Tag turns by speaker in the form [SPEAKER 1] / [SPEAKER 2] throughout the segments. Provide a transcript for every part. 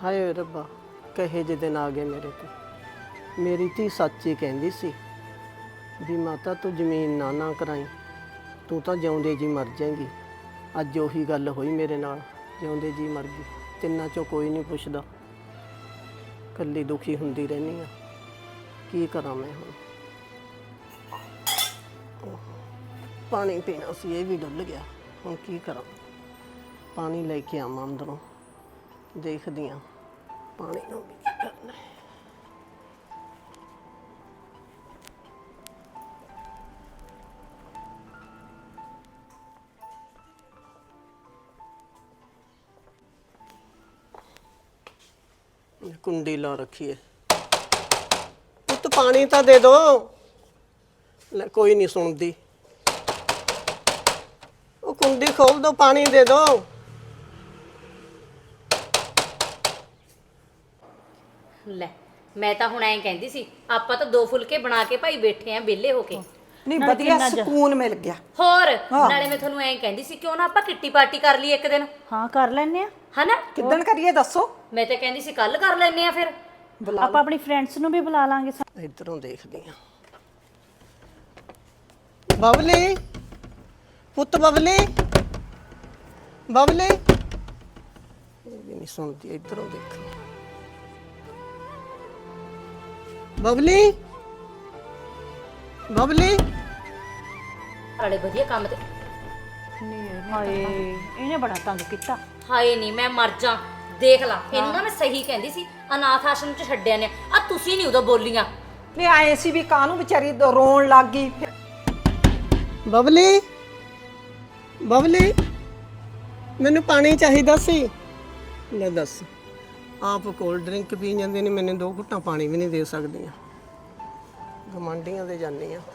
[SPEAKER 1] ਹਾਏ ਰੱਬਾ, ਕਹੇ ਜਿਹੇ ਦਿਨ ਆ ਗਏ ਮੇਰੇ ਤੇ। ਮੇਰੀ ਧੀ ਸੱਚ ਹੀ ਕਹਿੰਦੀ ਸੀ ਵੀ ਮਾਤਾ ਤੂੰ ਜ਼ਮੀਨ ਨਾ ਕਰਾਈ, ਤੂੰ ਤਾਂ ਜਿਉਂਦੇ ਜੀ ਮਰ ਜਾਏਂਗੀ। ਅੱਜ ਉਹੀ ਗੱਲ ਹੋਈ ਮੇਰੇ ਨਾਲ, ਜਿਉਂਦੇ ਜੀ ਮਰ ਗਈ। ਤਿੰਨਾਂ ਚੋਂ ਕੋਈ ਨਹੀਂ ਪੁੱਛਦਾ, ਇਕੱਲੀ ਦੁਖੀ ਹੁੰਦੀ ਰਹਿੰਦੀ ਆ। ਕੀ ਕਰਾਂ ਮੈਂ ਹੁਣ? ਪਾਣੀ ਪੀਣਾ ਸੀ, ਇਹ ਵੀ ਡੁੱਲ ਗਿਆ। ਹੁਣ ਕੀ ਕਰਾਂ? ਪਾਣੀ ਲੈ ਕੇ ਆਵਾਂ ਅੰਦਰੋਂ, ਦੇਖਦੀ ਹਾਂ ਪਾਣੀ ਨੂੰ ਵੀ ਕੀ ਕਰਨਾ ਹੈ। कुंडी ला रखी है, तो पानी तो दे दो। ले कोई नहीं सुनती। वो कुंडी खोल दो, पानी दे दो।
[SPEAKER 2] ਲੈ ਮੈਂ ਤਾਂ ਹੁਣ ਐਂ ਕਹਿੰਦੀ ਸੀ ਆਪਾਂ ਤਾਂ 2 ਫੁਲਕੇ ਬਣਾ ਕੇ ਭਾਈ ਬੈਠੇ ਆਂ ਵਿਹਲੇ ਹੋ ਕੇ।
[SPEAKER 3] ਨਹੀਂ ਵਧੀਆ ਸਕੂਨ ਮਿਲ ਗਿਆ।
[SPEAKER 2] ਹੋਰ ਨਾਲੇ ਮੈਂ ਤੁਹਾਨੂੰ ਐਂ ਕਹਿੰਦੀ ਸੀ ਕਿਉਂ ਨਾ ਆਪਾਂ ਕਿੱਟੀ ਪਾਰਟੀ ਕਰ ਲਈਏ ਇੱਕ ਦਿਨ।
[SPEAKER 4] ਹਾਂ ਕਰ ਲੈਨੇ ਆ।
[SPEAKER 2] ਹਨਾ
[SPEAKER 3] ਕਿੱਦਣ ਕਰੀਏ ਦੱਸੋ?
[SPEAKER 2] ਮੈਂ ਤਾਂ ਕਹਿੰਦੀ ਸੀ ਕੱਲ ਕਰ ਲੈਨੇ ਆ ਫਿਰ।
[SPEAKER 4] ਆਪਾਂ ਆਪਣੀ ਫਰੈਂਡਸ ਨੂੰ ਵੀ ਬੁਲਾ ਲਾਂਗੇ।
[SPEAKER 1] इधरों देखदी हां। बबली पुत, बबली बबली, ये भी नहीं सुनती। इधरों देख बबली, बबली।
[SPEAKER 2] ਨਾਲੇ ਵਧੀਆ ਕੰਮ ਤੇ।
[SPEAKER 4] ਹਾਏ ਇਹਨੇ ਬੜਾ ਤੰਗ ਕੀਤਾ।
[SPEAKER 2] ਹਾਏ ਨਹੀਂ ਮੈਂ ਮਰ ਜਾ। ਦੇਖ ਲਾ ਇਹਨੂੰ ਨਾ ਮੈਂ ਸਹੀ ਕਹਿੰਦੀ ਸੀ ਅਨਾਥ ਆਸ਼ਰਮ ਚ ਛੱਡਿਆ ਨੇ ਆ ਤੁਸੀਂ ਨਹੀਂ ਉਦੋਂ ਬੋਲੀਆਂ।
[SPEAKER 3] ਨਹੀਂ ਆਏ ਸੀ ਵੀ ਕਾਹਨੂੰ ਵਿਚਾਰੀ ਰੋਣ ਲੱਗ ਗਈ।
[SPEAKER 1] बबली, बबली, मैनू पानी चाहिदा सी। ले दस, आप कोल्ड ड्रिंक पी जांदे ने, मैंने 2 घुट्टा पानी भी नहीं दे सकदियां। गमांडियां दे जानी आ।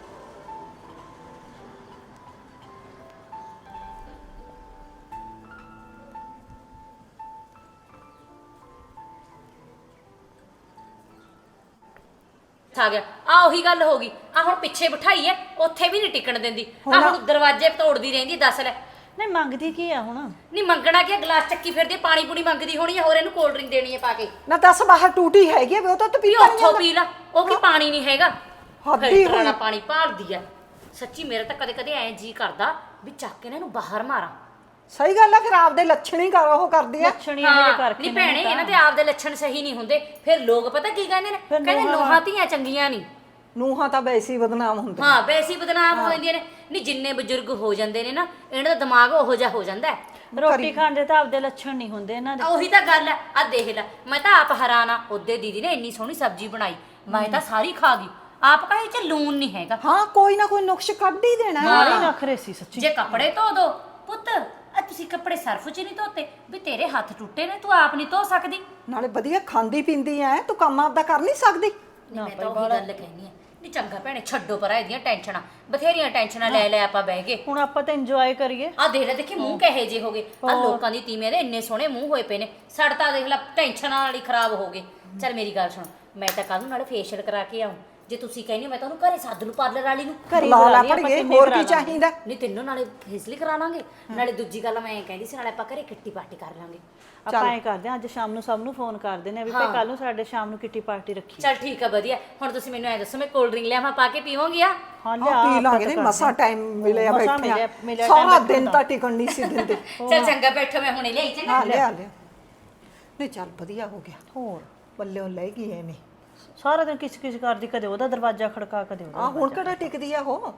[SPEAKER 2] ਆ ਗਿਆ ਆ ਉਹੀ ਗੱਲ ਹੋ ਗਈ। ਆ ਹੁਣ ਪਿੱਛੇ ਬਿਠਾਈ ਐ, ਉੱਥੇ ਵੀ ਨਹੀਂ ਟਿਕਣ ਦਿੰਦੀ। ਆ ਹੁਣ ਦਰਵਾਜ਼ੇ ਤੋੜਦੀ ਰਹਿੰਦੀ। ਦੱਸ ਲੈ
[SPEAKER 4] ਨਹੀਂ ਮੰਗਦੀ ਕੀ ਆ ਹੁਣ?
[SPEAKER 2] ਨਹੀਂ ਮੰਗਣਾ ਕੀ, ਗਲਾਸ ਚੱਕੀ ਫਿਰਦੀ, ਪਾਣੀ ਪੂਣੀ ਮੰਗਦੀ ਹੋਣੀ ਹੈ। ਹੋਰ ਇਹਨੂੰ ਕੋਲਡ ਡਰਿੰਕ ਦੇਣੀ ਹੈ ਪਾ ਕੇ।
[SPEAKER 3] ਨਾ ਦੱਸ ਬਾਹਰ ਟੂਟੀ ਹੈਗੀ ਉਹ ਤਾਂ
[SPEAKER 2] ਵੀ
[SPEAKER 3] ਪੀਤਾ
[SPEAKER 2] ਉੱਥੋਂ ਪੀ ਲਾ। ਉਹ ਕੀ ਪਾਣੀ ਨਹੀਂ ਹੈਗਾ,
[SPEAKER 3] ਹੱਦੀ
[SPEAKER 2] ਫਿਲਟਰ ਵਾਲਾ
[SPEAKER 3] ਹੋਈ।
[SPEAKER 2] ਪਾਣੀ ਭਾਲਦੀ ਐ। ਸੱਚੀ ਮੇਰਾ ਤਾਂ ਕਦੇ ਕਦੇ ਐ ਜੀ ਕਰਦਾ ਵੀ ਚੱਕ ਕੇ ਇਹਨੂੰ ਬਾਹਰ ਮਾਰਾਂ।
[SPEAKER 3] ਸਹੀ ਗੱਲ ਆ, ਫਿਰ ਆਪਦੇ ਲੱਛਣ ਹੀ ਕਰ ਉਹ ਕਰਦੀ ਆ।
[SPEAKER 4] ਲੱਛਣੀ ਇਹਦੇ ਕਰਕੇ
[SPEAKER 2] ਨਹੀਂ ਭੈਣੇ ਇਹਨਾਂ ਦੇ ਆਪਦੇ ਲੱਛਣ ਸਹੀ ਨਹੀਂ ਹੁੰਦੇ। ਫਿਰ ਲੋਕ ਪਤਾ ਕੀ ਕਹਿੰਦੇ ਨੇ, ਕਹਿੰਦੇ ਨੂੰਹਾਂ ਧੀਆਂ ਚੰਗੀਆਂ ਨਹੀਂ।
[SPEAKER 3] ਨੂੰਹਾਂ ਤਾਂ ਵੈਸੀ ਬਦਨਾਮ ਹੁੰਦੇ।
[SPEAKER 2] ਹਾਂ ਵੈਸੀ ਬਦਨਾਮ ਹੋ ਜਾਂਦੀਆਂ ਨੇ। ਨਹੀਂ ਜਿੰਨੇ ਬਜ਼ੁਰਗ ਹੋ ਜਾਂਦੇ ਨੇ ਨਾ ਇਹਨਾਂ ਦਾ ਦਿਮਾਗ ਉਹੋ ਜਿਹਾ ਹੋ ਜਾਂਦਾ ਹੈ।
[SPEAKER 4] ਰੋਟੀ ਖਾਣ ਦੇ ਤਾਂ ਆਪਦੇ ਲੱਛਣ ਨਹੀਂ ਹੁੰਦੇ ਇਹਨਾਂ ਦੇ।
[SPEAKER 2] ਉਹੀ ਤਾਂ ਗੱਲ ਹੈ। ਆ ਦੇਖ ਲੈ ਮੈਂ ਤਾਂ ਆਪ ਹੈਰਾਨ ਆ। ਉਹਦੇ ਦੀਦੀ ਨੇ ਇੰਨੀ ਸੋਹਣੀ ਸਬਜ਼ੀ ਬਣਾਈ, ਮੈਂ ਤਾਂ ਸਾਰੀ ਖਾ ਗਈ। ਆਪ ਕਹੇ ਚ ਲੂਣ ਨਹੀਂ ਹੈਗਾ।
[SPEAKER 3] ਹਾਂ ਕੋਈ ਨਾ ਕੋਈ ਨੁਕਸ਼ ਕੱਢ ਹੀ ਦੇਣਾ।
[SPEAKER 4] ਮਾਰੇ ਨਖਰੇ ਸੀ ਸੱਚੀ।
[SPEAKER 2] ਜੇ ਕੱਪੜੇ ਧੋ ਦੋ ਪੁੱਤ, ਆ ਤੁਸੀਂ ਕੱਪੜੇ ਸਰਫ ਚ ਨਹੀਂ ਧੋਤੇ ਵੀ ਤੇਰੇ ਹੱਥ ਟੁੱਟੇ ਨੇ, ਤੂੰ ਆਪ ਨਹੀਂ ਧੋ ਸਕਦੀ।
[SPEAKER 3] ਨਾਲੇ ਵਧੀਆ ਖਾਂਦੀ ਪੀਂਦੀ ਐ, ਤੂੰ ਕੰਮ ਆਪਦਾ ਕਰ ਨਹੀਂ ਸਕਦੀ।
[SPEAKER 2] ਮੈਂ ਤਾਂ ਉਹੀ ਗੱਲ ਕਹਿਨੀ ਆ। ਨਹੀਂ ਚੰਗਾ ਭੈਣੇ ਛੱਡੋ ਪਰਾਂ ਇਹਦੀਆਂ ਟੈਨਸ਼ਨਾਂ, ਬਥੇਰੀਆਂ ਟੈਨਸ਼ਨਾਂ ਲੈ ਲੈ ਆਪਾਂ ਬਹਿ ਗਏ।
[SPEAKER 4] ਹੁਣ ਆਪਾਂ ਤਾਂ ਇੰਜੋਏ ਕਰੀਏ।
[SPEAKER 2] ਆ ਦੇਖ ਲੈ, ਦੇਖੀ ਮੂੰਹ ਕਹੇ ਜੇ ਹੋ ਗਏ। ਆ ਲੋਕਾਂ ਦੀ ਤੀਵੀਆਂ ਦੇ ਇੰਨੇ ਸੋਹਣੇ ਮੂੰਹ ਹੋਏ ਪਏ ਨੇ, ਸਾਡਾ ਤਾਂ ਦੇਖ ਲੈ ਟੈਨਸ਼ਨਾਂ ਨਾਲ ਹੀ ਖਰਾਬ ਹੋ ਗਏ। ਚੱਲ ਮੇਰੀ ਗੱਲ ਸੁਣ, ਮੈਂ ਤਾਂ ਕੱਲ ਨੂੰ ਨਾਲੇ ਫੇਸ਼ੀਅਲ ਕਰਾ ਕੇ ਆਉਂ। ਜੇ ਤੁਸੀਂ ਕਹਿੰਦੇ ਹੋ ਮੈਂ ਤਾਂ ਉਹਨੂੰ ਘਰੇ ਸੱਦ ਲੂ, ਪਾਰਲਰ ਵਾਲੀ ਨੂੰ।
[SPEAKER 4] ਘਰੇ
[SPEAKER 3] ਲਾ
[SPEAKER 4] ਬੁਲਾ
[SPEAKER 3] ਲਾ
[SPEAKER 4] ਲਈ ਆਪਾਂ,
[SPEAKER 3] ਪੜੀਏ,
[SPEAKER 4] ਕਿੰਨੇ
[SPEAKER 3] ਹੋਰ
[SPEAKER 4] ਕਰਾ
[SPEAKER 3] ਕੀ ਚਾਹੀਦਾ?
[SPEAKER 2] ਨਹੀਂ ਤੈਨੂੰ ਨਾਲੇ ਫੇਸ਼ੀਅਲ ਕਰਾ ਲਾਂਗੇ, ਨਾਲੇ ਦੂਜੀ ਗੱਲ ਮੈਂ ਕਹਿੰਦੀ ਸੀ ਨਾਲੇ ਆਪਾਂ ਘਰੇ ਕਿੱਟੀ ਪਾਰਟੀ ਕਰ ਲਾਂਗੇ।
[SPEAKER 4] ਆਪਾਂ ਐ ਕਰਦੇ ਆ ਅੱਜ ਸ਼ਾਮ ਨੂੰ ਸਭ ਨੂੰ ਫੋਨ ਕਰ ਦਿੰਦੇ ਆ ਵੀ ਭਾਈ ਕੱਲ ਨੂੰ ਸਾਡੇ ਸ਼ਾਮ ਨੂੰ ਕਿੱਟੀ ਪਾਰਟੀ ਰੱਖੀ।
[SPEAKER 2] ਚੱਲ ਠੀਕ ਆ ਵਧੀਆ। ਹੁਣ ਤੁਸੀਂ ਮੈਨੂੰ ਐ ਦੱਸੋ ਮੈਂ ਕੋਲਡ ਡਰਿੰਕ ਲਿਆਵਾਂ, ਪਾ ਕੇ ਪੀਵਾਂਗੀ? ਆ
[SPEAKER 4] ਹਾਂ
[SPEAKER 3] ਪੀ ਲਾਂਗੇ। ਨਹੀਂ ਮਸਾ ਟਾਈਮ ਮਿਲਿਆ
[SPEAKER 4] ਮਸਾਂ
[SPEAKER 3] ਬੈਠਿਆ,
[SPEAKER 4] ਮਿਲਿਆ
[SPEAKER 3] ਸਾਰਾ ਦਿਨ ਤਾਂ ਟਿਕਣ ਨਹੀਂ ਸੀ ਦਿੰਦੇ।
[SPEAKER 2] ਚੱਲ ਚੰਗਾ ਬੈਠੋ, ਮੈਂ ਹੁਣੇ ਲਿਆਈ ਚੰਗਾ।
[SPEAKER 3] ਹਾਂ ਲਿਆ ਲਿਆ। ਨਹੀਂ ਚੱਲ ਵਧੀਆ ਹੋ ਗਿਆ।
[SPEAKER 4] ਹੋਰ
[SPEAKER 3] ਪੱਲਿਓਂ ਲੈ ਗਈ ਐਵੇਂ।
[SPEAKER 4] ਸਾਰਾ ਦਿਨ ਕਿਸ ਕਿਸ ਕਰਦੀ, ਕਦੇ ਉਹਦਾ ਦਰਵਾਜ਼ਾ ਖੜਕਾ ਕਦੇ ਉਹਦਾ।
[SPEAKER 3] ਆ ਹੁਣ ਕਿਹੜਾ ਟਿਕਦੀ ਆ ਉਹ।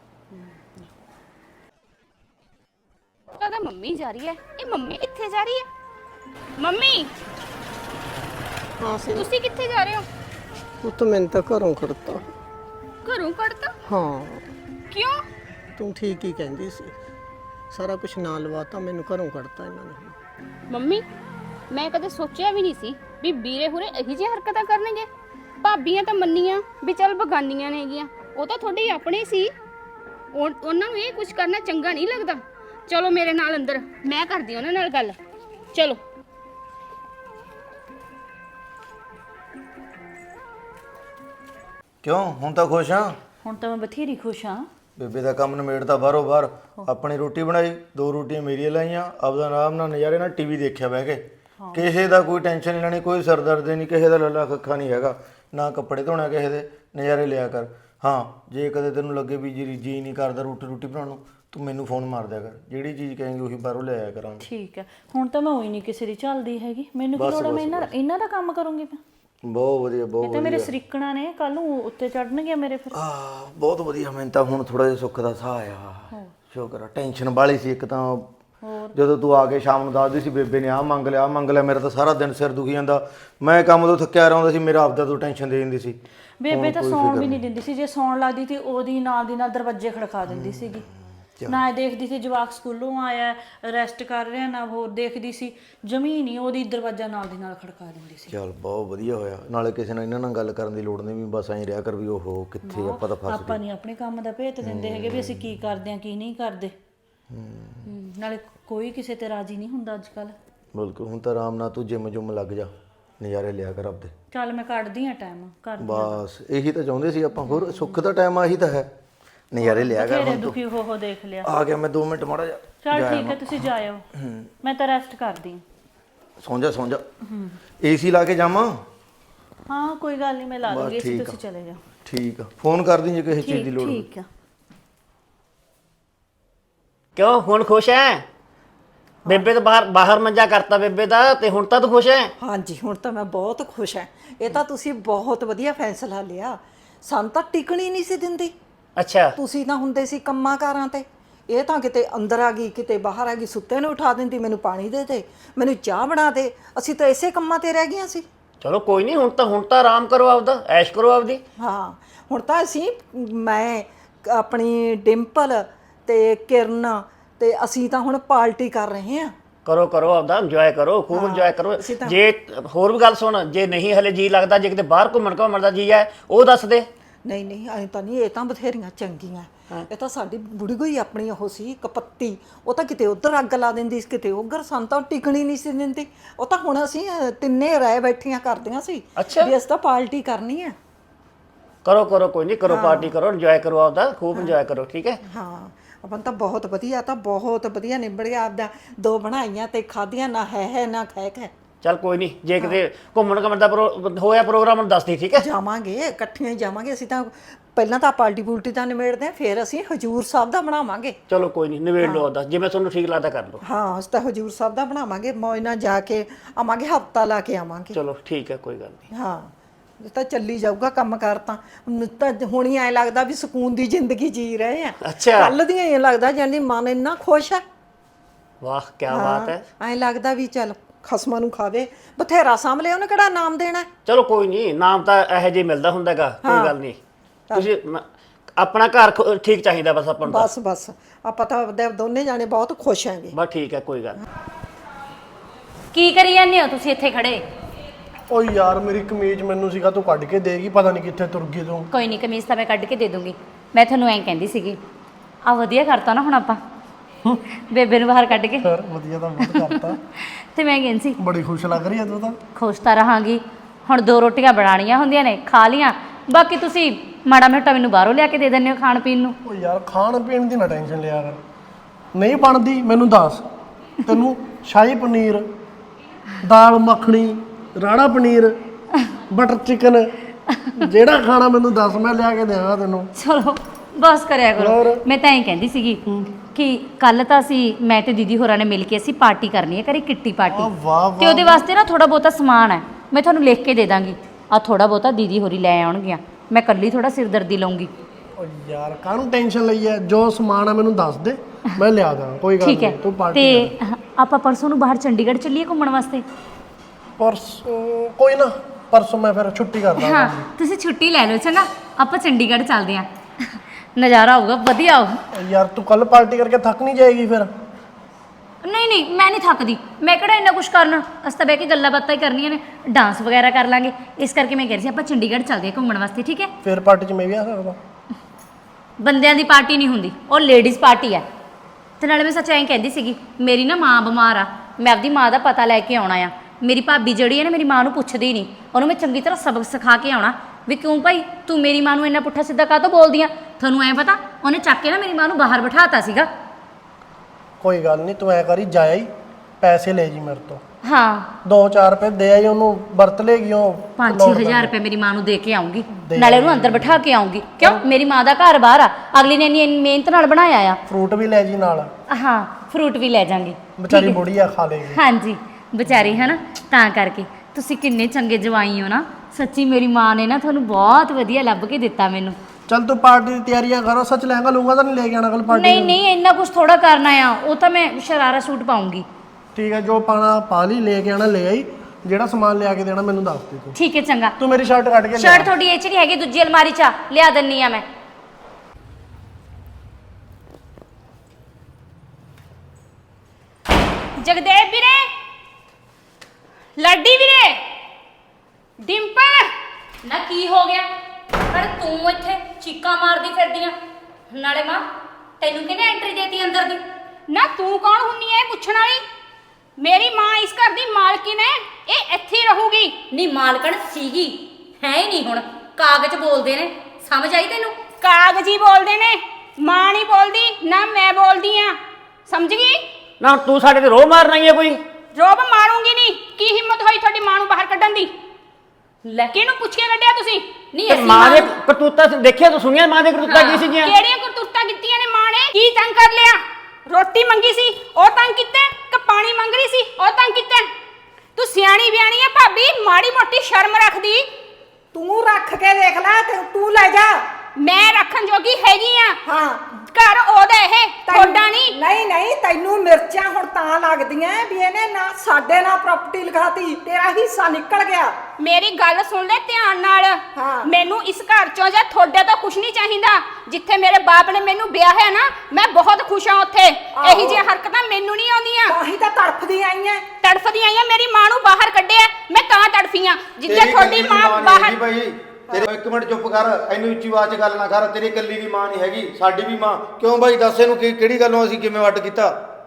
[SPEAKER 5] ਕਦਾ ਮੰਮੀ ਜਾ ਰਹੀ ਹੈ। ਇਹ ਮੰਮੀ ਕਿੱਥੇ ਜਾ ਰਹੀ ਹੈ? ਮੰਮੀ
[SPEAKER 1] हाँ सी
[SPEAKER 5] ਤੁਸੀਂ ਕਿੱਥੇ ਜਾ ਰਹੇ ਹੋ?
[SPEAKER 1] पुत, मैंने तो घरों करता।
[SPEAKER 5] ਘਰੋਂ ਕੱਢਤਾ?
[SPEAKER 1] हाँ
[SPEAKER 5] ਕਿਉਂ?
[SPEAKER 1] तू ठीक ही कहती सी, सारा कुछ ना लवाता, मैनू घरों कढ़ता इन्होंने।
[SPEAKER 5] ਮੰਮੀ ਮੈਂ ਕਦੇ ਸੋਚਿਆ ਵੀ ਨਹੀਂ ਸੀ ਵੀ ਵੀਰੇ ਹੁਰੇ ਇਹੀ ਜਿਹੀ ਹਰਕਤਾਂ ਕਰਨਗੇ। ਭਾਬੀਆਂ ਤਾਂ ਮੰਨੀਆਂ ਵੀ ਚੱਲ ਬਗਾਨੀਆਂ ਨੇਗੀਆਂ, ਉਹ ਤਾਂ ਤੁਹਾਡੇ ਆਪਣੇ ਸੀ। ਉਹਨਾਂ ਨੂੰ ਇਹ ਕੁਝ ਕਰਨਾ ਚੰਗਾ ਨਹੀਂ ਲੱਗਦਾ। ਚਲੋ ਮੇਰੇ ਨਾਲ ਅੰਦਰ, ਮੈਂ ਕਰਦੀ ਉਹਨਾਂ ਨਾਲ ਗੱਲ। ਚਲੋ
[SPEAKER 6] ਕਿਉਂ ਹੁਣ ਤਾਂ ਖੁਸ਼ ਹਾਂ?
[SPEAKER 4] ਹੁਣ ਤਾਂ ਮੈਂ ਬਥੇਰੀ ਖੁਸ਼ ਹਾਂ।
[SPEAKER 6] ਬੇਬੇ ਦਾ ਕੰਮ ਨਿਬੇੜਤਾ ਬਾਹਰੋਂ ਬਾਹਰ, ਆਪਣੀ ਰੋਟੀ ਬਣਾਈ, 2 ਰੋਟੀਆਂ ਮੇਰੀਆਂ ਲਾਈਆਂ, ਆਪਦਾ ਆਰਾਮ ਨਾਲ ਨਜ਼ਾਰੇ ਨਾਲ ਟੀਵੀ ਦੇਖਿਆ ਬਹਿ ਕੇ। ਕਿਸੇ ਦਾ ਕੋਈ ਟੈਨਸ਼ਨ ਨਹੀਂ ਲੈਣੀ, ਕੋਈ ਸਿਰਦਰਦ ਨਹੀਂ, ਕਿਸੇ ਦਾ ਲੱਲਾ ਕੱਖਾ ਨਹੀਂ ਹੈਗਾ, ਨਾ ਕੱਪੜੇ ਧੋਣਾ ਕਿਸੇ ਦੇ, ਨਜ਼ਾਰੇ ਲਿਆ ਕਰ। ਹਾਂ ਜੇ ਕਦੇ ਤੈਨੂੰ ਲੱਗੇ ਵੀ ਜੀ ਨਹੀਂ ਕਰਦਾ ਰੋਟੀ ਬਣਾਉਣ ਨੂੰ, ਤੂੰ ਮੈਨੂੰ ਫੋਨ ਮਾਰ ਦਿਆ ਕਰ, ਜਿਹੜੀ ਚੀਜ਼ ਕਹੇਂਗੀ ਉਹੀ ਬਾਹਰੋਂ ਲੈ ਆਇਆ ਕਰਾਂਗੇ।
[SPEAKER 4] ਠੀਕ ਹੈ, ਹੁਣ ਤਾਂ ਮੈਂ ਉਹੀ ਨਹੀਂ ਕਿਸੇ ਦੀ ਚੱਲਦੀ ਹੈਗੀ, ਮੈਨੂੰ ਕੀ ਲੋੜ ਹੈ, ਮੈਂ ਇਹਨਾਂ ਦਾ ਕੰਮ ਕਰੂੰਗੀ ਮੈਂ।
[SPEAKER 6] ਬਹੁਤ ਵਧੀਆ, ਬਹੁਤ
[SPEAKER 4] ਇਹ ਤਾਂ ਮੇਰੇ ਸਰੀਕਣਾ ਨੇ, ਕੱਲ ਨੂੰ ਉੱਤੇ ਚੜਨਗੇ ਮੇਰੇ ਫਿਰ।
[SPEAKER 6] ਬਹੁਤ ਵਧੀਆ। ਮੈਨੂੰ ਤਾਂ ਹੁਣ ਥੋੜਾ ਜਿਹਾ ਸੁੱਖ ਦਾ ਸਾਹ ਆਇਆ, ਸ਼ੁਕਰ ਆ। ਟੈਨਸ਼ਨ ਵਾਲੀ ਸੀ ਇੱਕ ਤਾਂ, ਜਦੋਂ ਤੂੰ ਆ ਕੇ ਸ਼ਾਮ ਨੂੰ ਦੱਸਦੀ ਸੀ ਬੇਬੇ ਨੇ ਆਹ ਮੰਗ ਲਿਆ, ਮੇਰਾ ਤਾਂ ਸਾਰਾ ਦਿਨ ਸਿਰ ਦੁਖੀ ਜਾਂਦਾ, ਮੈਂ ਕੰਮ ਤੋਂ ਥੱਕਿਆ ਰਹਿੰਦਾ ਸੀ, ਮੇਰਾ ਆਪਦਾ ਤੋਂ ਟੈਨਸ਼ਨ ਦੇ ਦਿੰਦੀ ਸੀ।
[SPEAKER 4] ਬੇਬੇ ਤਾਂ ਸੌਣ ਵੀ ਨਹੀਂ ਦਿੰਦੀ ਸੀ, ਜੇ ਸੌਣ ਲੱਗਦੀ ਸੀ ਉਹਦੀ ਨਾਲ ਦੀ ਨਾਲ ਦਰਵਾਜ਼ੇ ਖੜਕਾ ਦਿੰਦੀ ਸੀਗੀ। ਨਾ ਦੇਖਦੀ ਸੀ ਜਵਾਕ ਸਕੂਲੋਂ ਆਇਆ ਰੈਸਟ ਕਰ ਰਿਹਾ, ਨਾ ਹੋਰ ਦੇਖਦੀ ਸੀ, ਜਮੀ ਨਹੀਂ, ਉਹਦੀ ਦਰਵਾਜ਼ਾ ਨਾਲ ਦੀ ਨਾਲ ਖੜਕਾ ਦਿੰਦੀ ਸੀ।
[SPEAKER 6] ਚੱਲ ਬਹੁਤ ਵਧੀਆ ਹੋਇਆ, ਨਾਲੇ ਕਿਸੇ ਨਾਲ ਇਹਨਾਂ ਨਾਲ ਗੱਲ ਕਰਨ ਦੀ ਲੋੜ ਨਹੀਂ, ਵੀ ਬਸ ਐਂ ਰਿਹਾ ਕਰ ਵੀ ਉਹ ਕਿੱਥੇ ਆਪਾਂ ਤਾਂ ਫਸ
[SPEAKER 4] ਆਪਾਂ ਨਹੀਂ ਆਪਣੇ ਕੰਮ ਦਾ ਭੇਤ ਦਿੰਦੇ ਹੈਗੇ ਵੀ ਅਸੀਂ ਕੀ ਕਰਦੇ ਆ ਕੀ ਨਹੀਂ ਕਰਦੇ। ਨਾਲੇ ਕੋਈ ਕਿਸੇ ਤੇ ਰਾਜੀ ਨਹੀਂ ਹੁੰਦਾ ਅੱਜ ਕੱਲ।
[SPEAKER 6] ਬਿਲਕੁਲ। ਹੁਣ ਤਾਂ ਆਰਾਮ ਨਾਲ ਤੂੰ ਜਿਮ ਲੱਗ ਜਾ, ਨਜ਼ਾਰੇ ਲਿਆ ਕਰ ਆਪਦੇ।
[SPEAKER 4] ਚੱਲ ਮੈਂ ਕੱਢਦੀ ਆ ਟਾਈਮ ਕਰਦੀ।
[SPEAKER 6] ਬਸ ਇਹੀ ਤਾਂ ਚਾਹੁੰਦੇ ਸੀ ਆਪਾਂ, ਹੋਰ ਸੁੱਖ ਦਾ ਟਾਈਮ ਆਹੀ ਤਾਂ ਹੈ, ਨਜ਼ਾਰੇ ਲਿਆ ਕਰ।
[SPEAKER 4] ਤੇਰੇ ਦੁਖੀ ਹੋ ਦੇਖ ਲਿਆ।
[SPEAKER 6] ਆ ਗਿਆ ਮੈਂ 2 ਮਿੰਟ ਮਾੜਾ ਜਾ।
[SPEAKER 4] ਚੱਲ ਠੀਕ ਹੈ, ਤੁਸੀਂ ਜਾਇਓ, ਮੈਂ ਤਾਂ ਰੈਸਟ ਕਰਦੀ
[SPEAKER 6] ਸੌਂ ਜਾ। ਏਸੀ ਲਾ ਕੇ ਜਾਵਾਂ?
[SPEAKER 4] ਹਾਂ ਕੋਈ ਗੱਲ ਨਹੀਂ, ਮੈਂ ਲਾ ਦੂੰਗੀ, ਤੁਸੀਂ ਚਲੇ ਜਾਓ।
[SPEAKER 6] ਠੀਕ ਆ, ਫੋਨ ਕਰ ਦੀ ਜੇ ਕਿਸੇ ਚੀਜ਼ ਦੀ ਲੋੜ ਹੋਵੇ।
[SPEAKER 4] ਠੀਕ ਆ।
[SPEAKER 7] ਕਿਉਂ ਹੁਣ ਖੁਸ਼ ਐ? ਬੇਬੇ ਤਾਂ ਬਾਹਰ ਮੰਜਾ ਕਰਤਾ ਬੇਬੇ ਦਾ, ਤੇ ਹੁਣ ਤਾਂ ਤੂੰ ਖੁਸ਼ ਐ?
[SPEAKER 3] ਹਾਂਜੀ ਹੁਣ ਤਾਂ ਮੈਂ ਬਹੁਤ ਖੁਸ਼ ਹਾਂ। ਇਹ ਤਾਂ ਤੁਸੀਂ ਬਹੁਤ ਵਧੀਆ ਫੈਸਲਾ ਲਿਆ, ਸਾਨੂੰ ਤਾਂ ਟਿਕਣੀ ਨਹੀਂ ਸੀ ਦਿੰਦੀ।
[SPEAKER 7] ਅੱਛਾ,
[SPEAKER 3] ਤੁਸੀਂ ਤਾਂ ਹੁੰਦੇ ਸੀ ਕੰਮਾਂ ਕਾਰਾਂ ਤੇ, ਇਹ ਤਾਂ ਕਿਤੇ ਅੰਦਰ ਆ ਗਈ ਕਿਤੇ ਬਾਹਰ ਆ ਗਈ, ਸੁੱਤੇ ਨੂੰ ਉਠਾ ਦਿੰਦੀ, ਮੈਨੂੰ ਪਾਣੀ ਦੇ, ਮੈਨੂੰ ਚਾਹ ਬਣਾ ਦੇ, ਅਸੀਂ ਤਾਂ ਇਸੇ ਕੰਮਾਂ ਤੇ ਰਹਿ ਗਈਆਂ ਸੀ।
[SPEAKER 7] ਚਲੋ ਕੋਈ ਨਹੀਂ, ਹੁਣ ਤਾਂ ਆਰਾਮ ਕਰੋ ਆਪਦਾ, ਐਸ਼ ਕਰੋ ਆਪਦੀ।
[SPEAKER 3] ਹਾਂ ਹੁਣ ਤਾਂ ਅਸੀਂ, ਮੈਂ ਆਪਣੀ ਡਿੰਪਲ ਤੇ ਕਿਰਨ ਤੇ ਅਸੀਂ ਤਾਂ ਹੁਣ ਪਾਰਟੀ ਕਰ ਰਹੇ ਹਾਂ।
[SPEAKER 7] ਕਰੋ ਆਪਦਾ ਇੰਜੋਏ ਕਰੋ, ਖੂਬ ਇੰਜੋਏ ਕਰੋ। ਜੇ ਹੋਰ ਵੀ ਗੱਲ ਸੁਣ, ਜੇ ਨਹੀਂ ਹਲੇ ਜੀ ਲੱਗਦਾ, ਜੇ ਕਿਤੇ ਬਾਹਰ ਘੁੰਮਣ ਦਾ ਜੀ ਹੈ ਉਹ ਦੱਸ ਦੇ।
[SPEAKER 3] ਨਹੀਂ ਐਂ ਤਾਂ ਨਹੀਂ, ਇਹ ਤਾਂ ਬਥੇਰੀਆਂ ਚੰਗੀਆਂ, ਇਹ ਤਾਂ ਸਾਡੀ ਬੁੜੀ ਕੋਈ ਆਪਣੀ ਉਹ ਸੀ ਕਪੱਤੀ, ਉਹ ਤਾਂ ਕਿਤੇ ਉਧਰ ਅੱਗ ਲਾ ਦਿੰਦੀ ਸੀ, ਕਿਤੇ ਉਧਰ, ਸਾਨੂੰ ਤਾਂ ਟਿਕਣੀ ਨਹੀਂ ਸੀ ਦਿੰਦੀ। ਉਹ ਤਾਂ ਹੁਣ ਅਸੀਂ ਤਿੰਨੇ ਰਹਿ ਬੈਠੀਆਂ ਕਰਦੀਆਂ ਸੀ ਵੀ ਅਸੀਂ ਤਾਂ ਪਾਰਟੀ ਕਰਨੀ ਹੈ।
[SPEAKER 7] ਕਰੋ ਕੋਈ ਨਹੀਂ, ਕਰੋ ਪਾਰਟੀ ਕਰੋ, ਇੰਜੋਏ ਕਰੋ ਆਪਦਾ, ਖੂਬ ਇੰਜੋਏ ਕਰੋ। ਠੀਕ ਹੈ?
[SPEAKER 3] ਹਾਂ ਆਪਾਂ ਤਾਂ ਬਹੁਤ ਵਧੀਆ ਨਿਬੜ ਗਿਆ ਆਪਦਾ, 2 ਬਣਾਈਆਂ ਤੇ ਖਾਧੀਆਂ, ਨਾ ਹੈ ਨਾ ਖੈ।
[SPEAKER 7] ਚੱਲ ਕੋਈ ਨਹੀਂ, ਜੇ ਕਿਤੇ ਘੁੰਮਣ ਦਾ ਹੋਇਆ ਪ੍ਰੋਗਰਾਮ ਨੂੰ ਦੱਸ ਦੀ। ਠੀਕ ਹੈ?
[SPEAKER 3] ਜਾਵਾਂਗੇ, ਇਕੱਠੀਆਂ ਹੀ ਜਾਵਾਂਗੇ ਅਸੀਂ ਤਾਂ। ਪਹਿਲਾਂ ਤਾਂ ਪਾਰਟੀ ਪੂਲਟੀ ਦਾ ਨਿਬੇੜਦੇ ਹਾਂ, ਫਿਰ ਅਸੀਂ ਹਜੂਰ ਸਾਹਿਬ ਦਾ ਬਣਾਵਾਂਗੇ।
[SPEAKER 7] ਚਲੋ ਕੋਈ ਨਹੀਂ, ਨਿਬੇੜ ਲਓ ਆਪਦਾ, ਜਿਵੇਂ ਤੁਹਾਨੂੰ ਠੀਕ ਲੱਗਦਾ ਕਰ ਲਓ।
[SPEAKER 3] ਹਾਂ ਅਸੀਂ ਤਾਂ ਹਜੂਰ ਸਾਹਿਬ ਦਾ ਬਣਾਵਾਂਗੇ, ਮੌਜ ਨਾਲ ਜਾ ਕੇ ਆਵਾਂਗੇ, ਹਫਤਾ ਲਾ ਕੇ ਆਵਾਂਗੇ।
[SPEAKER 7] ਚਲੋ ਠੀਕ ਹੈ, ਕੋਈ ਗੱਲ ਨਹੀਂ।
[SPEAKER 3] ਹਾਂ ਇਹ ਤਾਂ ਚੱਲੀ ਜਾਊਗਾ ਕੰਮ ਕਾਰ ਤਾਂ ਹੁਣ ਹੀ ਐਂ ਲੱਗਦਾ ਵੀ ਸਕੂਨ ਦੀ ਜ਼ਿੰਦਗੀ ਜੀ ਰਹੇ ਆ।
[SPEAKER 7] ਅੱਛਾ,
[SPEAKER 3] ਕੱਲ ਦੀਆਂ ਐਂ ਲੱਗਦਾ ਜਾਨੀ ਮਨ ਇੰਨਾ ਖੁਸ਼ ਹੈ।
[SPEAKER 7] ਵਾਹ ਕੀ ਬਾਤ ਹੈ।
[SPEAKER 3] ਐਂ ਲੱਗਦਾ ਵੀ ਚੱਲ ਖਸਮਾਂ ਨੂੰ ਖਾਵੇ, ਬਥੇਰਾ ਸਾਂਭਲੇ, ਉਹਨੇ ਕਿਹੜਾ ਨਾਮ ਦੇਣਾ।
[SPEAKER 7] ਚਲੋ ਕੋਈ ਨਹੀਂ, ਨਾਮ ਤਾਂ ਇਹੋ ਜਿਹਾ ਮਿਲਦਾ ਹੁੰਦਾਗਾ, ਕੋਈ ਗੱਲ ਨਹੀਂ। ਤੁਸੀਂ ਆਪਣਾ ਘਰ ਠੀਕ ਚਾਹੀਦਾ ਬਸ ਆਪਾਂ ਨੂੰ।
[SPEAKER 3] ਬਸ ਆਪਾਂ ਤਾਂ ਦੋਨੇ ਜਾਣੇ ਬਹੁਤ ਖੁਸ਼ ਹੈਗੇ।
[SPEAKER 7] ਬਸ ਠੀਕ ਹੈ, ਕੋਈ ਗੱਲ।
[SPEAKER 2] ਕੀ ਕਰੀ ਜਾਂਦੇ ਹੋ ਤੁਸੀਂ ਇੱਥੇ ਖੜੇ?
[SPEAKER 8] ਓ ਯਾਰ ਮੇਰੀ ਕਮੀਜ਼ ਮੈਨੂੰ ਸੀਗਾ ਤੂੰ ਕੱਢ ਕੇ ਦੇਗੀ, ਪਤਾ ਨਹੀਂ ਕਿੱਥੇ ਤੁਰ ਗਈ ਤੂੰ।
[SPEAKER 2] ਕੋਈ ਨਹੀਂ, ਕਮੀਜ਼ ਤਾਂ ਮੈਂ ਕੱਢ ਕੇ ਦੇ ਦੂੰਗੀ। ਮੈਂ ਤੁਹਾਨੂੰ ਐਂ ਕਹਿੰਦੀ ਸੀਗੀ, ਆ ਵਧੀਆ ਕਰਤਾ ਨਾ ਹੁਣ ਆਪਾਂ ਬੇਬੇ ਨੂੰ ਬਾਹਰ ਕੱਢ ਕੇ।
[SPEAKER 8] ਯਾਰ ਵਧੀਆ ਤਾਂ ਬਹੁਤ ਕਰਤਾ।
[SPEAKER 2] ਤੇ ਮੈਂ ਕਹਿੰਦੀ ਸੀ
[SPEAKER 8] ਬੜੀ ਖੁਸ਼ ਲੱਗ ਰਹੀ ਹੈ ਤੂੰ ਤਾਂ।
[SPEAKER 2] ਖੁਸ਼ ਤਾਂ ਰਹਾਂਗੀ, ਹੁਣ 2 ਰੋਟੀਆਂ ਬਣਾਉਣੀਆਂ ਹੁੰਦੀਆਂ ਨੇ, ਖਾ ਲੀਆਂ, ਬਾਕੀ ਤੁਸੀਂ ਮਾੜਾ ਮੋਟਾ ਮੈਨੂੰ ਬਾਹਰੋਂ ਲਿਆ ਕੇ ਦੇ ਦਿੰਦੇ ਹੋ ਖਾਣ ਪੀਣ ਨੂੰ।
[SPEAKER 8] ਓ ਯਾਰ ਖਾਣ ਪੀਣ ਦੀ ਨਾ ਟੈਨਸ਼ਨ ਲਿਆ ਕਰ, ਨਹੀਂ ਬਣਦੀ ਮੈਨੂੰ ਦੱਸ, ਤੈਨੂੰ ਸ਼ਾਹੀ ਪਨੀਰ, ਦਾਲ ਮੱਖਣੀ, ਰਾੜਾ ਪਨੀਰ, ਬਟਰ ਚਿਕਨ, ਜਿਹੜਾ ਖਾਣਾ ਮੈਨੂੰ ਦੱਸ, ਮੈਂ ਲਿਆ ਕੇ ਦੇਵਾਂ ਤੈਨੂੰ।
[SPEAKER 2] ਚਲੋ ਬਸ ਕਰਿਆ ਕਰੋ। ਮੈਂ ਤਾਂ ਐਂ ਕਹਿੰਦੀ ਸੀਗੀ ਕਿ ਕੱਲ ਤਾਂ ਮੈਂ ਤੇ ਦੀਦੀ ਹੋਰਾਂ ਨੇ ਮਿਲ ਕੇ ਅਸੀਂ ਪਾਰਟੀ ਕਰਨੀ ਹੈ, ਘਰੇ ਕਿੱਟੀ ਪਾਰਟੀ, ਤੇ ਉਹਦੇ ਵਾਸਤੇ ਨਾ ਥੋੜਾ ਬਹੁਤਾ ਸਮਾਨ ਹੈ, ਮੈਂ ਤੁਹਾਨੂੰ ਲਿਖ ਕੇ ਦੇ ਦਾਂਗੀ। ਆ ਥੋੜਾ ਬਹੁਤਾ ਦੀਦੀ ਹੋਰੀ ਲੈ ਆਉਣਗੀਆਂ, ਮੈਂ ਕੱਲੀ ਥੋੜਾ ਸਿਰਦਰਦੀ ਲਊਂਗੀ।
[SPEAKER 8] ਓ ਯਾਰ ਕਾਹਨੂੰ ਟੈਨਸ਼ਨ ਲਈ ਹੈ, ਜੋ ਸਮਾਨ ਹੈ ਮੈਨੂੰ ਦੱਸ ਦੇ, ਮੈਂ ਲਿਆ ਦਾਂ, ਕੋਈ ਗੱਲ
[SPEAKER 2] ਠੀਕ ਹੈ?
[SPEAKER 8] ਨਹੀਂ, ਤੂੰ ਪਾਰਟੀ
[SPEAKER 2] ਤੇ ਆਪਾਂ ਪਰਸੋਂ ਨੂੰ ਬਾਹਰ ਚੰਡੀਗੜ੍ਹ ਚੱਲੀਏ ਘੁੰਮਣ ਵਾਸਤੇ।
[SPEAKER 8] ਪਰਸੋਂ ਕੋਈ ਨਾ, ਪਰਸੋਂ ਮੈਂ ਫਿਰ ਛੁੱਟੀ ਕਰਦਾ।
[SPEAKER 2] ਹਾਂ ਤੁਸੀਂ ਛੁੱਟੀ ਲੈ ਲਓ, ਚੰਗਾ? ਆਪਾਂ ਚੰਡੀਗੜ੍ਹ ਚੱਲਦੇ ਆਂ, ਨਜ਼ਾਰਾ ਆਊਗਾ, ਵਧੀਆ ਆਊ।
[SPEAKER 8] ਯਾਰ ਤੂੰ ਕੱਲ ਪਾਰਟੀ ਕਰਕੇ ਥੱਕ ਨਹੀਂ ਜਾਏਗੀ ਫਿਰ?
[SPEAKER 2] ਨਹੀਂ ਮੈਂ ਨਹੀਂ ਥੱਕਦੀ, ਮੈਂ ਕਿਹੜਾ ਇੰਨਾ ਕੁਝ ਕਰਨਾ, ਅਸੀਂ ਤਾਂ ਬਹਿ ਕੇ ਗੱਲਾਂ ਬਾਤਾਂ ਹੀ ਕਰਨੀਆਂ ਨੇ, ਡਾਂਸ ਵਗੈਰਾ ਕਰ ਲਾਂਗੇ, ਇਸ ਕਰਕੇ ਮੈਂ ਕਹਿ ਰਹੀ ਸੀ ਆਪਾਂ ਚੰਡੀਗੜ੍ਹ ਚੱਲਦੇ ਹਾਂ ਘੁੰਮਣ ਵਾਸਤੇ। ਠੀਕ ਹੈ?
[SPEAKER 8] ਫਿਰ ਪਾਰਟੀ 'ਚ ਮੈਂ ਵੀ ਆ ਸਕਦਾ?
[SPEAKER 2] ਬੰਦਿਆਂ ਦੀ ਪਾਰਟੀ ਨਹੀਂ ਹੁੰਦੀ, ਉਹ ਲੇਡੀਜ਼ ਪਾਰਟੀ ਹੈ। ਤੇ ਨਾਲੇ ਮੈਂ ਸੱਚ ਐਂ ਕਹਿੰਦੀ ਸੀਗੀ, ਮੇਰੀ ਨਾ ਮਾਂ ਬਿਮਾਰ ਆ, ਮੈਂ ਆਪਦੀ ਮਾਂ ਦਾ ਪਤਾ ਲੈ ਕੇ ਆਉਣਾ ਆ। ਮੇਰੀ ਭਾਬੀ ਜਿਹੜੀ ਹੈ ਨਾ, ਮੇਰੀ ਮਾਂ ਨੂੰ ਪੁੱਛਦੀ ਨਹੀਂ, ਉਹਨੂੰ ਮੈਂ ਚੰਗੀ ਤਰ੍ਹਾਂ ਸਬਕ ਸਿਖਾ ਕੇ ਆਉਣਾ ਵੀ ਕਿਉਂ ਭਾਈ ਤੂੰ ਮੇਰੀ ਮਾਂ ਨੂੰ ਇੰਨਾ ਪੁੱਠਾ ਸਿੱਧਾ ਕਾਹਤੋਂ ਬੋਲਦੀ ਆ। ਤੁਹਾਨੂੰ ਐਂ ਪਤਾ, ਉਹਨੇ ਚੱਕ ਕੇ ਨਾ ਮੇਰੀ ਮਾਂ ਨੂੰ ਬਾਹਰ ਬਿਠਾਤਾ ਸੀਗਾ।
[SPEAKER 8] ਕੋਈ ਗੱਲ ਨਹੀਂ, ਤੂੰ ਐ ਕਰੀ ਜਾਇਆ ਹੀ, ਪੈਸੇ ਲੈ ਜੀ ਮੇਰੇ ਤੋਂ,
[SPEAKER 2] ਹਾਂ
[SPEAKER 8] 2-4 ਰੁਪਏ ਦੇ ਆਈ ਉਹਨੂੰ ਵਰਤ ਲੇਗੀ ਉਹ
[SPEAKER 2] 5-6000 ਰੁਪਏ ਮੇਰੀ ਮਾਂ ਨੂੰ ਦੇ ਕੇ ਆਉਂਗੀ ਨਾਲੇ ਉਹਨੂੰ ਅੰਦਰ ਬਿਠਾ ਕੇ ਆਉਂਗੀ ਕਿਉਂ ਮੇਰੀ ਮਾਂ ਦਾ ਘਰ ਬਾਹਰ ਆ ਅਗਲੀ ਨੇ ਇੰਨੀ ਮਿਹਨਤ ਨਾਲ ਬਣਾਇਆ ਆ
[SPEAKER 8] ਫਰੂਟ ਵੀ ਲੈ ਜੀ ਨਾਲ,
[SPEAKER 2] ਹਾਂ ਫਰੂਟ ਵੀ ਲੈ ਜਾਾਂਗੇ
[SPEAKER 8] ਵਿਚਾਰੀ ਬੁੜੀ ਆ ਖਾ ਲੇਗੀ।
[SPEAKER 2] ਹਾਂਜੀ ਵਿਚਾਰੀ ਹੈ ਨਾ ਤਾਂ ਕਰਕੇ ਤੁਸੀਂ ਕਿੰਨੇ ਚੰਗੇ ਜਵਾਈ ਹੋ ਨਾ ਸੱਚੀ ਮੇਰੀ ਮਾਂ ਨੇ ਨਾ ਤੁਹਾਨੂੰ ਬਹੁਤ ਵਧੀਆ ਲੱਭ ਕੇ ਦਿੱਤਾ ਮੈਨੂੰ
[SPEAKER 8] ਚੱਲ ਤੂੰ ਪਾਰਟੀ ਦੀ ਤਿਆਰੀਆਂ ਕਰੋ, ਸੱਚ ਲਹਿੰਗਾ ਲੂੰਗਾ ਤਾਂ ਨਹੀਂ ਲੈ ਕੇ ਆਣਾ ਕੱਲ ਪਾਰਟੀ
[SPEAKER 2] ਨਹੀਂ ਨਹੀਂ ਇੰਨਾ ਕੁਝ ਥੋੜਾ ਕਰਨਾ ਆ ਉਹ ਤਾਂ ਮੈਂ ਸ਼ਰਾਰਾ ਸੂਟ ਪਾਉਂਗੀ
[SPEAKER 8] ਠੀਕ ਹੈ, ਜੋ ਪਾਣਾ ਪਾ ਲਈ, ਲੈ ਕੇ ਆਣਾ ਲੈ ਆਈ, ਜਿਹੜਾ ਸਮਾਨ ਲਿਆ ਕੇ ਦੇਣਾ ਮੈਨੂੰ ਦੱਸ ਦੇ ਤੂੰ।
[SPEAKER 2] ਠੀਕ ਹੈ ਚੰਗਾ
[SPEAKER 8] ਤੂੰ ਮੇਰੀ ਸ਼ਰਟ ਕੱਢ ਕੇ
[SPEAKER 2] ਸ਼ਰਟ ਤੁਹਾਡੀ ਇਹ ਚ ਨਹੀਂ ਹੈਗੀ ਦੂਜੀ ਅਲਮਾਰੀ ਚ ਆ, ਲਿਆ ਦਿੰਨੀ ਆ ਮੈਂ
[SPEAKER 5] ਜਗਦੇਵ ਵੀਰੇ, ਲੱਡੀ ਵੀਰੇ, ਡਿੰਪਲ,
[SPEAKER 2] ਨਾ ਕੀ ਹੋ ਗਿਆ ਪਰ ਤੂੰ ਇੱਥੇ ਚੀਕਾਂ ਮਾਰਦੀ ਫਿਰਦੀ ਆ ਨਾਲੇ ਮਾਂ ਤੈਨੂੰ ਕਿਹਨੇ ਐਂਟਰੀ ਦੇਤੀ ਅੰਦਰ ਦੀ
[SPEAKER 5] ਨਾ ਤੂੰ ਕੌਣ ਹੁੰਨੀ ਐ ਪੁੱਛਣ ਵਾਲੀ? ਮੇਰੀ ਮਾਂ ਇਸ ਘਰ ਦੀ ਮਾਲਕਿਨ ਐ, ਇਹ ਇੱਥੇ ਹੀ ਰਹੂਗੀ।
[SPEAKER 2] ਨਹੀਂ ਮਾਲਕਣ ਸੀਗੀ ਹੈ ਹੀ ਨਹੀਂ ਹੁਣ ਕਾਗਜ਼ ਬੋਲਦੇ ਨੇ ਸਮਝ ਆਈ ਤੈਨੂੰ
[SPEAKER 5] ਕਾਗਜ਼ੀ ਬੋਲਦੇ ਨੇ, ਮਾਂ ਨਹੀਂ ਬੋਲਦੀ ਨਾ ਮੈਂ ਬੋਲਦੀ ਆ, ਸਮਝ ਗਈ?
[SPEAKER 7] ਨਾ ਤੂੰ ਸਾਡੇ ਤੇ ਰੋਹ ਮਾਰਨਾ ਹੀ ਹੈ ਕੋਈ?
[SPEAKER 5] ਰੋਬ ਮਾਰੂੰਗੀ ਨਹੀਂ। ਕੀ ਹਿੰਮਤ ਹੋਈ ਤੁਹਾਡੀ ਮਾਂ ਨੂੰ ਬਾਹਰ ਕੱਢਣ ਦੀ?
[SPEAKER 2] ਲੈ
[SPEAKER 5] ਕਿਹਨੂੰ ਪੁੱਛ ਕੇ ਕੱਢਿਆ ਤੁਸੀਂ?
[SPEAKER 2] ਨਹੀਂ
[SPEAKER 7] ਤੇ
[SPEAKER 2] ਅਸੀਂ
[SPEAKER 7] ਮਾਂ ਦੇ
[SPEAKER 2] ਮਾਂ-
[SPEAKER 7] ਕਰਤੂਤਾਂ ਦੇਖਿਆ ਤੂੰ ਸੁਣਿਆ ਮਾਂ ਦੇ ਕਰਤੂਤਾਂ ਕੀ ਸੀਗੀਆਂ?
[SPEAKER 5] ਕਿਹੜੀਆਂ ਕਰਤੂਤਾਂ ਕੀਤੀਆਂ ਨੇ ਮਾਂ ਨੇ? ਕੀ ਤੰਗ ਕਰ ਲਿਆ? ਰੋਟੀ ਮੰਗੀ ਸੀ ਉਹ ਤੰਗ ਕੀਤਾ ਕਿ ਪਾਣੀ ਮੰਗ ਰਹੀ ਸੀ ਉਹ ਤੰਗ ਕੀਤਾ? ਤੂੰ ਸਿਆਣੀ ਬਿਆਣੀ ਆ ਭਾਬੀ, ਮਾੜੀ ਮੋਟੀ ਸ਼ਰਮ ਰੱਖਦੀ।
[SPEAKER 3] ਤੂੰ ਰੱਖ ਕੇ ਦੇਖ ਲੈ ਤੇ ਤੂੰ ਲੈ ਜਾ।
[SPEAKER 5] ਮੈਂ ਰੱਖਣ ਜੋਗੀ ਹੈਗੀ ਆ।
[SPEAKER 3] ਹਾਂ
[SPEAKER 5] ਘਰ ਉਹਦਾ ਇਹ ਤੁਹਾਡਾ ਨਹੀਂ।
[SPEAKER 3] ਨਹੀਂ ਨਹੀਂ, ਤੈਨੂੰ ਮਿਰਚਾਂ ਹੁਣ ਤਾਂ ਲੱਗਦੀਆਂ ਵੀ ਇਹਨੇ ਨਾ ਸਾਡੇ ਨਾਲ ਪ੍ਰਾਪਰਟੀ ਲਿਖਾਤੀ, ਤੇਰਾ ਹਿੱਸਾ ਨਿਕਲ ਗਿਆ।
[SPEAKER 5] ਮੇਰੀ ਗੱਲ ਸੁਣ ਲੈ ਧਿਆਨ ਨਾਲ।
[SPEAKER 3] ਹਾਂ।
[SPEAKER 5] ਮੈਨੂੰ ਇਸ ਘਰ ਚੋਂ ਜਾਂ ਤੁਹਾਡੇ ਤੋਂ ਕੁਝ ਨਹੀਂ ਚਾਹੀਦਾ। ਜਿੱਥੇ ਮੇਰੇ ਬਾਪ ਨੇ ਮੈਨੂੰ ਵਿਆਹਿਆ ਨਾ, ਮੈਂ ਬਹੁਤ ਖੁਸ਼ ਹਾਂ ਉੱਥੇ। ਇਹੀ ਜਿਹੀਆਂ ਹਰਕਤਾਂ ਮੈਨੂੰ ਨਹੀਂ ਆਉਂਦੀਆਂ।
[SPEAKER 3] ਤਾਂ ਹੀ ਤਾਂ ਤੜਫਦੀ ਆਈ ਐ।
[SPEAKER 5] ਤੜਫਦੀ ਆਈ ਆ, ਮੇਰੀ ਮਾਂ ਨੂੰ ਬਾਹਰ ਕੱਢਿਆ ਮੈਂ ਤਾਂ ਤੜਫੀ ਆ। ਜਿੱਥੇ ਤੁਹਾਡੀ ਮਾਂ ਬਾਹਰ
[SPEAKER 6] ਭਾਈ ਤੇਰੇ ਇੱਕ ਮਿੰਟ ਚੁੱਪ ਕਰ, ਐਨੀ ਉੱਚੀ ਆਵਾਜ਼ 'ਚ ਗੱਲ ਨਾ ਕਰ। ਤੇਰੀ ਇਕੱਲੀ ਦੀ ਮਾਂ ਨਹੀਂ ਹੈਗੀ, ਸਾਡੀ ਵੀ ਮਾਂ। ਕਿਉਂ ਭਾਈ ਦੱਸ ਇਹਨੂੰ ਕਿਹੜੀ ਗੱਲੋਂ ਅਸੀਂ ਕਿਵੇਂ ਵੱਟ ਕੀਤਾ?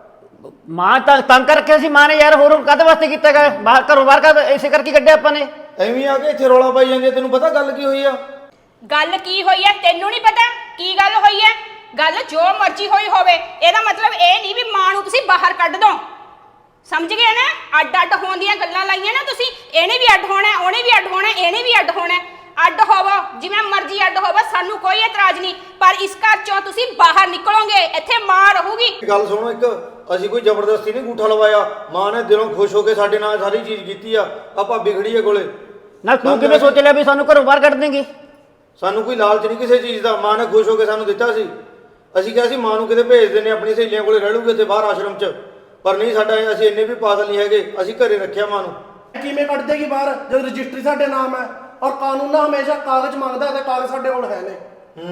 [SPEAKER 7] ਮਾਂ ਤਾਂ ਤੰਗ ਕਰ ਰੱਖਿਆ ਸੀ ਮਾਂ ਨੇ ਯਾਰ, ਹੋਰ ਕਾਹਦੇ ਵਾਸਤੇ ਕੀਤਾ ਗਾ? ਬਾਹਰ ਘਰੋਂ ਬਾਹਰ ਕਰ ਇਸੇ ਕਰਕੇ ਕੱਢਿਆ ਆਪਾਂ ਨੇ।
[SPEAKER 6] ਐਵੇਂ ਆ ਕੇ ਇੱਥੇ ਰੌਲਾ ਪਾਈ ਜਾਂਦੀ ਆ, ਤੈਨੂੰ ਪਤਾ ਗੱਲ ਕੀ ਹੋਈ ਆ?
[SPEAKER 5] ਗੱਲ ਕੀ ਹੋਈ ਹੈ ਤੈਨੂੰ ਨਹੀਂ ਪਤਾ? ਕੀ ਗੱਲ ਹੋਈ ਹੈ? ਗੱਲ ਜੋ ਮਰਜ਼ੀ ਹੋਈ ਹੋਵੇ, ਇਹਦਾ ਮਤਲਬ ਇਹ ਨਹੀਂ ਵੀ ਮਾਂ ਨੂੰ ਤੁਸੀਂ ਬਾਹਰ ਕੱਢ ਦੋ। ਸਮਝ ਗਏ ਨਾ? ਅੱਡ ਅੱਡ ਹੋਣ ਦੀਆਂ ਗੱਲਾਂ ਲਾਈਆਂ ਨਾ ਤੁਸੀਂ। ਇਹਨੇ ਵੀ ਅੱਡ ਹੋਣਾ, ਉਹਨੇ ਵੀ ਅੱਡ ਹੋਣਾ, ਇਹਨੇ ਵੀ ਅੱਡ ਹੋਣਾ। ਅੱਡ ਹੋਵੋ ਜਿਵੇਂ ਮਰਜ਼ੀ ਅੱਡ ਹੋਵੋ, ਸਾਨੂੰ ਕੋਈ ਇਤਰਾਜ਼ ਨਹੀਂ, ਪਰ ਇਸ ਘਰ ਚੋਂ ਤੁਸੀਂ ਬਾਹਰ ਨਿਕਲੋਗੇ, ਇੱਥੇ ਮਾਂ ਰਹੂਗੀ।
[SPEAKER 6] ਗੱਲ ਸੁਣੋ, ਇੱਕ ਅਸੀਂ ਕੋਈ ਜ਼ਬਰਦਸਤੀ ਨਹੀਂ ਗੂਠਾ ਲਵਾਇਆ। ਮਾਂ ਨੇ ਦਿਲੋਂ ਖੁਸ਼ ਹੋ ਕੇ ਸਾਡੇ ਨਾਲ ਸਾਰੀ ਚੀਜ਼ ਕੀਤੀ ਆ। ਆ ਭਾਬੀ ਖੜੀ ਆ ਕੋਲੇ।
[SPEAKER 7] ਨਾ ਤੂੰ ਕਿਵੇਂ ਸੋਚ ਲਿਆ ਵੀ ਸਾਨੂੰ ਘਰੋਂ ਬਾਹਰ ਕੱਢ ਦੇਂਗੀ?
[SPEAKER 6] ਸਾਨੂੰ ਕੋਈ ਲਾਲਚ ਨਹੀਂ ਕਿਸੇ ਚੀਜ਼ ਦਾ। ਮਾਂ ਨੇ ਖੁਸ਼ ਹੋ ਕੇ ਸਾਨੂੰ ਦਿੱਤਾ ਸੀ। ਅਸੀਂ ਕਿਹਾ ਸੀ ਮਾਂ ਨੂੰ ਕਿਤੇ ਭੇਜ ਦਿੰਦੇ, ਆਪਣੀ ਸਹੇਲੀਆਂ ਕੋਲੇ ਰਹਿ ਲੂਗੇ ਇੱਥੇ ਬਾਹਰ ਆਸ਼ਰਮ 'ਚ, ਪਰ ਨਹੀਂ, ਸਾਡਾ ਅਸੀਂ ਇੰਨੇ ਵੀ ਪਾਗਲ ਨਹੀਂ ਹੈਗੇ। ਅਸੀਂ ਘਰੇ ਰੱਖਿਆ ਮਾਂ ਨੂੰ।
[SPEAKER 8] ਕਿਵੇਂ ਕੱਢ ਦੇਗੀ ਬਾਹਰ ਜਦ ਰਜਿਸਟਰੀ ਸਾਡੇ ਨਾਮ ਹੈ ਔਰ ਕਾਨੂੰਨ ਨਾ ਹਮੇਸ਼ਾ ਕਾਗਜ਼ ਮੰਗਦਾ ਤੇ ਕਾਗਜ਼ ਸਾਡੇ ਕੋਲ ਹੈ ਨੇ।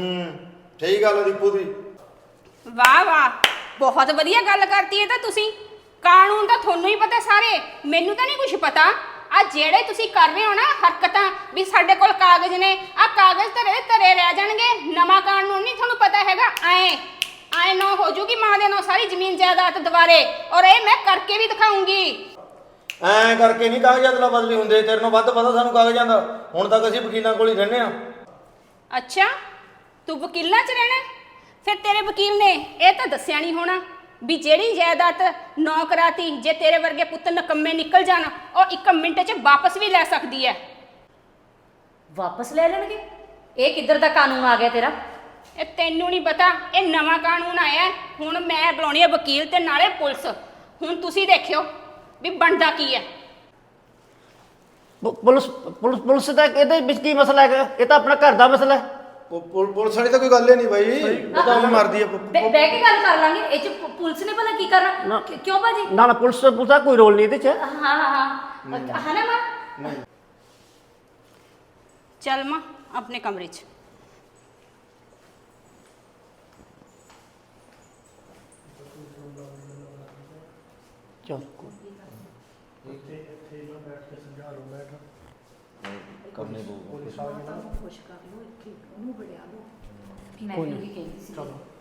[SPEAKER 6] ਸਹੀ ਗੱਲ ਹੈ ਦੀਪੂ ਦੀ।
[SPEAKER 5] ਵਾਹ ਵਾਹ, ਬਹੁਤ ਵਧੀਆ ਗੱਲ ਕਰਤੀ ਹੈ ਤਾਂ ਤੁਸੀਂ। ਕਾਨੂੰਨ ਤਾਂ ਤੁਹਾਨੂੰ ਹੀ ਪਤਾ ਸਾਰੇ, ਮੈਨੂੰ ਤਾਂ ਨਹੀਂ ਕੁਝ ਪਤਾ। ਆ ਜਿਹੜੇ ਤੁਸੀਂ ਕਰ ਰਹੇ ਹੋ ਨਾ ਹਰਕਤਾਂ ਵੀ ਸਾਡੇ ਕੋਲ ਕਾਗਜ਼ ਨੇ, ਆ ਕਾਗਜ਼ ਧਰੇ ਰਹਿ ਜਾਣਗੇ। ਨਵਾਂ ਕਾਨੂੰਨ ਨਹੀਂ ਤੁਹਾਨੂੰ ਪਤਾ ਹੈਗਾ। ਆਏ ਨਾ ਹੋ ਜੂਗੀ ਮਾਂ ਦੇ ਨਾਲ ਸਾਰੀ ਜ਼ਮੀਨ ਜਾਇਦਾਦ ਦੁਬਾਰੇ, ਔਰ ਇਹ ਮੈਂ ਕਰਕੇ ਵੀ ਦਿਖਾਉਂਗੀ।
[SPEAKER 6] ਐਂ ਕਰਕੇ ਨਹੀਂ ਕਾਗਜ਼ਾਤ ਨਾਲ ਬਦਲੀ ਹੁੰਦੇ। ਤੇਰੇ ਨੂੰ ਵੱਧ ਪਤਾ ਸਾਨੂੰ ਕਾਗਜ਼ਾਂ ਦਾ। ਹੁਣ ਤੱਕ ਅਸੀਂ ਵਕੀਲਾਂ ਕੋਲ ਹੀ ਰਹਿੰਦੇ ਆ।
[SPEAKER 5] ਅੱਛਾ, ਤੂੰ ਵਕੀਲਾਂ 'ਚ ਰਹਿਣਾ? ਫਿਰ ਤੇਰੇ ਵਕੀਲ ਨੇ ਇਹ ਤਾਂ ਦੱਸਿਆ ਨਹੀਂ ਹੋਣਾ ਵੀ ਜਿਹੜੀ ਜਾਇਦਾਦ ਨੌ ਕਰਾਤੀ, ਜੇ ਤੇਰੇ ਵਰਗੇ ਪੁੱਤ ਨਕੰਮੇ ਨਿਕਲ ਜਾਣ, ਉਹ 1 ਮਿੰਟ 'ਚ ਵਾਪਸ ਵੀ ਲੈ ਸਕਦੀ ਹੈ।
[SPEAKER 2] ਵਾਪਸ ਲੈ ਲੈਣਗੇ? ਇਹ ਕਿੱਧਰ ਦਾ ਕਾਨੂੰਨ ਆ ਗਿਆ ਤੇਰਾ?
[SPEAKER 5] ਇਹ ਤੈਨੂੰ ਨਹੀਂ ਪਤਾ, ਇਹ ਨਵਾਂ ਕਾਨੂੰਨ ਆਇਆ। ਹੁਣ ਮੈਂ ਬੁਲਾਉਣੀ ਹੈ ਵਕੀਲ ਤੇ ਨਾਲੇ ਪੁਲਿਸ। ਹੁਣ ਤੁਸੀਂ ਦੇਖਿਓ ਵੀ ਬਣਦਾ ਕੀ ਹੈ।
[SPEAKER 7] ਪੁਲਿਸ ਪੁਲਿਸ ਪੁਲਿਸ ਦਾ ਇਹਦੇ ਵਿੱਚ ਕੀ ਮਸਲਾ ਹੈਗਾ? ਇਹ ਤਾਂ ਆਪਣਾ ਘਰ ਦਾ ਮਸਲਾ ਹੈ।
[SPEAKER 6] ਪੁਲਿਸ ਵਾਲੀ ਤਾਂ ਕੋਈ ਗੱਲ ਹੀ ਨਹੀਂ ਬਾਈ। ਉਹ ਤਾਂ ਮਰਦੀ ਆ।
[SPEAKER 2] ਬਹਿ ਕੇ ਗੱਲ ਕਰ ਲਾਂਗੇ। ਇਹ ਚ ਪੁਲਿਸ ਨੇ ਭਲਾ ਕੀ ਕਰਨਾ? ਕਿਉਂ ਭਾਜੀ?
[SPEAKER 7] ਨਾ ਨਾ, ਪੁਲਿਸ ਦਾ ਕੋਈ ਰੋਲ ਨਹੀਂ ਇਹਦੇ 'ਚ।
[SPEAKER 2] ਹਾਂ ਹਾਂ ਨਾ ਮਾਂ।
[SPEAKER 5] ਚੱਲ ਮਾਂ ਆਪਣੇ ਕਮਰੇ 'ਚ।
[SPEAKER 7] ਚਲ
[SPEAKER 2] ਮੈਂ ਵੀ ਉਹੀ ਕਹਿੰਦੀ ਸੀ।